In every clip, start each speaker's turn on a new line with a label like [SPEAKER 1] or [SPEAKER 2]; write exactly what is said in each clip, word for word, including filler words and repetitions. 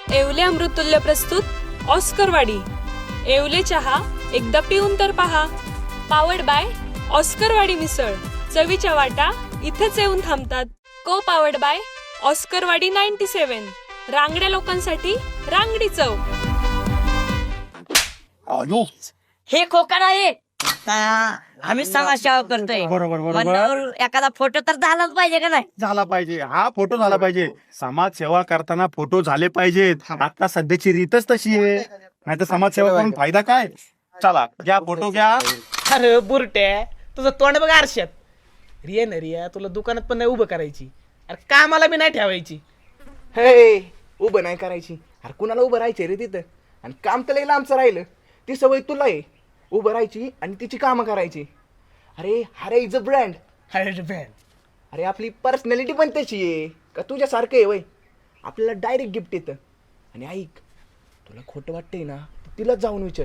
[SPEAKER 1] येवले अमृतुल्य प्रस्तुत ऑस्करवाडी. येवले चहा एकदा पिऊन तर पहा. पावर्ड बाय ऑस्करवाडी मिसळ. चवीच्या वाटा इथेच येऊन थांबतात. को पावर्ड बाय ऑस्करवाडी नाईन्टी सेवन. रांगड्या लोकांसाठी रांगडी चव.
[SPEAKER 2] हे खोका नाही, आम्ही समाज सेवा करतोय.
[SPEAKER 3] बरोबर बरोबर
[SPEAKER 2] मंचावर एखादा फोटो तर झालाच पाहिजे का नाही?
[SPEAKER 3] झाला पाहिजे. हा फोटो झाला पाहिजे. समाज सेवा करताना फोटो झाले पाहिजेत. आता सध्याची रीतच तशी आहे. नाही तर समाज सेवा करून फायदा काय? चला घ्या फोटो घ्या.
[SPEAKER 4] अरे बुरट्या, तुझं तोंड बघ आरशात. रिया ना रिया, तुला दुकानात पण नाही उभं करायची. अरे कामाला बी नाही ठेवायची. हे उभं नाही करायची. अरे कुणाला उभं राहायचे रे तिथं? आणि काम तर लई लांबचं राहिलं. ती सवय तुला आहे उभं राहायची आणि तिची कामं करायची. अरे हरे इज अ ब्रँड. हरे ब्रँड. अरे आपली पर्सनॅलिटी पण त्याची आहे का तुझ्यासारखं आहे वय. आपल्याला डायरेक्ट गिफ्ट येतं. आणि ऐक, तुला खोटं वाटतंय ना, तिलाच जाऊन विचार.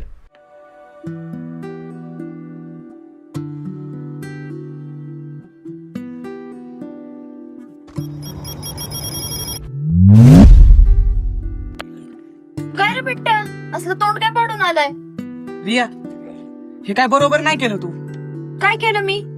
[SPEAKER 5] काय रे बिट्ट्या, असलं तोंड काय पाडून आलाय?
[SPEAKER 4] रिया, हे काय बरोबर नाही केलं तू.
[SPEAKER 5] काय केलं मी?